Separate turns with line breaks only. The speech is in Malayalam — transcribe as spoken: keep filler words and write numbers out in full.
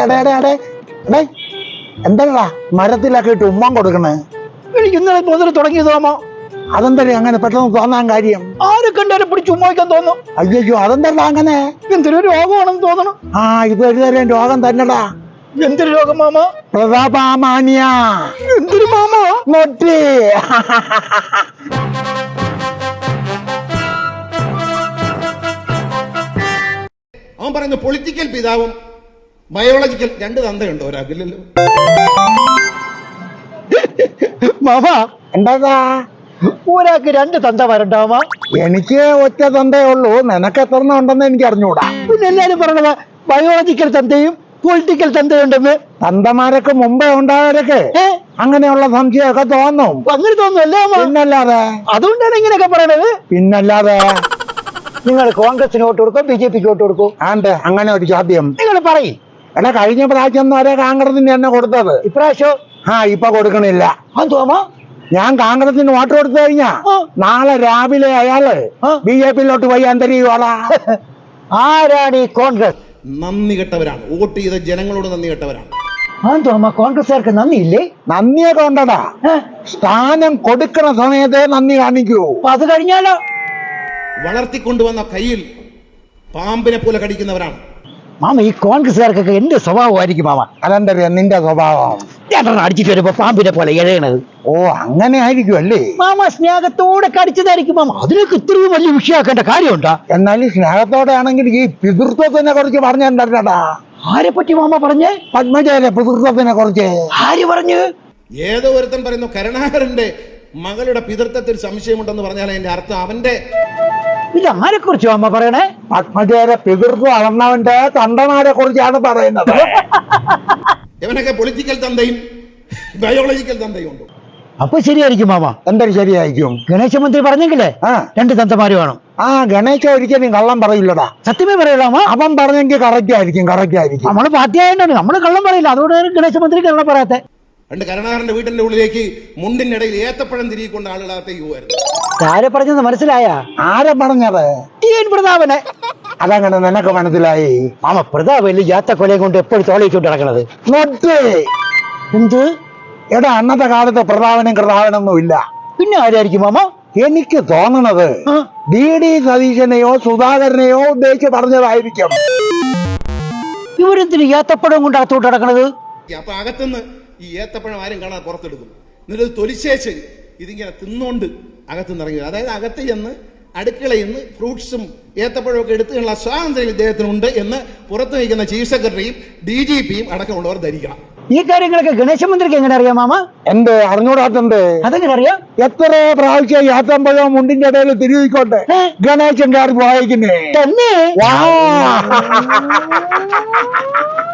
എന്താ മരത്തിലൊക്കെ ഇട്ട് ഉമ്മം കൊടുക്കണേ?
എനിക്ക് ഇന്നലെ മുതൽ തുടങ്ങിയതാമോ.
അതെന്താ അങ്ങനെ പെട്ടെന്ന് തോന്നാൻ കാര്യം?
ആരെ കണ്ടാലും പിടിച്ച് ഉമ്മാക്കാൻ തോന്നും.
അയ്യോ അതെന്താ അങ്ങനെ?
എന്തൊരു രോഗമാണെന്ന് തോന്നണം.
ആ ഇത് ഒരു തരം രോഗം തന്നെടാ.
എന്തൊരു രോഗം മാമ?
പ്രതാപാമാനിയ.
എന്തൊരു മാമ?
നൊട്ടി.
അവൻ പറയുന്നു പൊളിറ്റിക്കൽ പിതാവും ബയോളജിക്കൽ രണ്ട് തന്തയുണ്ടോ ഒരാൾക്കില്ലല്ലോ.
മാമ
എന്താ
ഒരാൾക്ക് രണ്ട് തന്ത വരണ്ടാമ?
എനിക്ക് ഒറ്റ തന്തേ ഉള്ളൂ. നിനക്ക് എത്ര ഉണ്ടെന്ന് എനിക്ക് അറിഞ്ഞൂടാ.
പിന്നെ എല്ലാരും പറയണത് ബയോളജിക്കൽ തന്തയും പൊളിറ്റിക്കൽ തന്തയുണ്ടെന്ന്.
തന്തമാരൊക്കെ മുമ്പേ ഉണ്ടായവരൊക്കെ അങ്ങനെയുള്ള സംശയമൊക്കെ തോന്നും.
അങ്ങനെ തോന്നുന്നല്ലേ?
പിന്നല്ലാതെ.
അതുകൊണ്ടാണ് ഇങ്ങനെയൊക്കെ പറയണത്.
പിന്നല്ലാതെ.
നിങ്ങൾ കോൺഗ്രസിന് വോട്ട് കൊടുക്കും, ബി ജെ പിക്ക് വോട്ട് കൊടുക്കും?
ആണ്ട് അങ്ങനെ ഒരു ചോദ്യം
നിങ്ങൾ പറയും.
എടാ കഴിഞ്ഞ പ്രാവശ്യം വരെ കോൺഗ്രസിന് തന്നെ കൊടുത്തത്.
ഇപ്രാവശ്യം
ആ ഇപ്പൊ കൊടുക്കണില്ല.
തോമാ
ഞാൻ കോൺഗ്രസിന് വോട്ട് കൊടുത്തു കഴിഞ്ഞാ നാളെ രാവിലെ അയാള് ബി ജെ പിയിലോട്ട് പോയി അന്തരിയോളാ.
ആരാണ് ഈ കോൺഗ്രസ്?
നന്ദി കെട്ടവരാണ്. വോട്ട് ചെയ്ത ജനങ്ങളോട് നന്ദി കെട്ടവരാണ്.
തോമാ കോൺഗ്രസ്സുകാർക്ക് നന്ദിയില്ലേ?
നന്ദിയൊക്കെ ഉണ്ടടാ. സ്ഥാനം കൊടുക്കണ സമയത്തെ നന്ദി കാണിക്കൂ.
അത് കഴിഞ്ഞാലോ?
വളർത്തിക്കൊണ്ടുവന്ന കയ്യിൽ പാമ്പിനെ പോലെ കടിക്കുന്നവരാണ്.
മാമ ഈ കോൺഗ്രസ്സുകാർക്കൊക്കെ എന്ത് സ്വഭാവമായിരിക്കും മാമ?
അതെന്തറിയാ നിന്റെ സ്വഭാവം?
അടിച്ചിട്ട് വരുമ്പോ പാമ്പിനെ പോലെ എഴയണത്.
ഓ അങ്ങനെ ആയിരിക്കും അല്ലേ?
മാമ സ്നേഹത്തോടെ കടിച്ചതായിരിക്കും മാമ. അതിനൊക്കെ ഇത്രയും വലിയ വിഷയമാക്കേണ്ട കാര്യമുണ്ടോ?
എന്നാലും സ്നേഹത്തോടെ ആണെങ്കിൽ ഈ പിതൃത്വത്തിനെ കുറിച്ച് പറഞ്ഞിട്ടുണ്ടാ.
ആരെ പറ്റി മാമ പറഞ്ഞേ?
പത്മജയുടെ പിതൃത്വത്തിനെ കുറിച്ച്
ആര് പറഞ്ഞു?
ഏതോ ഒരുത്തൻ പറയുന്നു കരുണാകരന്റെ മകളുടെ പിതൃത്വത്തിൽ സംശയമുണ്ടെന്ന് പറഞ്ഞാൽ അതിന്റെ അർത്ഥം അവന്റെ.
ഇത് ആരെ കുറിച്ച് മാമ പറയണേ?
പത്മജയുടെ പിതൃത്വം അളന്നവന്റെ തണ്ടമാരെ കുറിച്ചാണ് പറയുന്നത്.
ഇവനൊക്കെ പൊളിറ്റിക്കൽ തന്തയും ബയോളജിക്കൽ തന്തയും ഉണ്ട്.
അപ്പൊ ശരിയായിരിക്കും മാമ.
എന്തൊരു ശരിയായിരിക്കും?
ഗണേശ മന്ത്രി പറഞ്ഞെങ്കിലേ
ആ
രണ്ട് തന്തമാര് വേണം.
ആ ഗണേശ ഒരിക്കലും കള്ളം പറയില്ലടാ.
സത്യമേ പറയലാമോ?
അവൻ പറഞ്ഞെങ്കിൽ കറക്റ്റ് ആയിരിക്കും. കറക്റ്റ് ആയിരിക്കും.
നമ്മള് പാർട്ടിയായോണ്ടാണ് നമ്മള് കള്ളം പറയില്ല. അതുകൊണ്ട് ഗണേശ മന്ത്രി കള്ളം പറയാത്തെ.
രണ്ട് കരുണാകരന്റെ വീട്ടിന്റെ ഉള്ളിലേക്ക് മുണ്ടിന്റെ ഇടയിൽ ഏത്തപ്പഴം തിരികൊണ്ട് ആളുകളകത്തേക്ക് പോവായിരുന്നു.
ആരെ പറഞ്ഞത് മനസ്സിലായ?
ആരെ പറഞ്ഞത്?
ടി എൻ പ്രതാപനെ.
അതങ്ങനെ നിനക്ക് മനസ്സിലായി?
മാമ പ്രതാപല്ലേ യാത്ത കൊലയും കൊണ്ട് എപ്പോഴും തോളിച്ചോണ്ട് നടക്കണത്.
എന്ത്? എടാ അന്നത്തെ കാലത്ത് പ്രതാപനും കൃതാവനൊന്നും ഇല്ല.
പിന്നെ ആരായിരിക്കും മാമ?
എനിക്ക് തോന്നണത് ഡി ഡി സതീശനെയോ സുധാകരനെയോ ഉദ്ദേശിച്ച് പറഞ്ഞതായിരിക്കും.
ഇവരെന്തിന് ഏത്തപ്പഴം കൊണ്ട് അകത്തോട്ട് നടക്കണത്?
അപ്പൊ അകത്തുനിന്ന് ഈ ഏത്തപ്പഴം ആരും കാണാൻ പുറത്തെടുക്കും. എന്നിട്ട് തൊലിശേച്ച് ഇതിങ്ങനെ തിന്നോണ്ട് അകത്തുനിന്ന് ഇറങ്ങി. അതായത് അകത്ത് ചെന്ന് അടുക്കളയിൽ നിന്ന് ഫ്രൂട്ട്സും ഏത്തപ്പഴമൊക്കെ എടുത്തുള്ള സ്വാതന്ത്ര്യം ഇദ്ദേഹത്തിനുണ്ട് എന്ന് പുറത്തു നിൽക്കുന്ന ചീഫ് സെക്രട്ടറിയും ഡി ജി പിയും അടക്കമുള്ളവർ ധരിക്കണം.
ഈ കാര്യങ്ങളൊക്കെ ഗണേശ മന്ത്രിക്ക് എങ്ങനെ അറിയാം മാമ?
എന്ത് അറിഞ്ഞൂടാത്തണ്ട്?
അതെങ്ങനെ അറിയാം?
എത്ര പ്രാവശ്യം യാത്രമ്പഴോ മുണ്ടിന്റെ ഇടയിൽ തിരികോട്ടെ ഗണേശൻ കാർ വായിക്കുന്നേ
തന്നെ.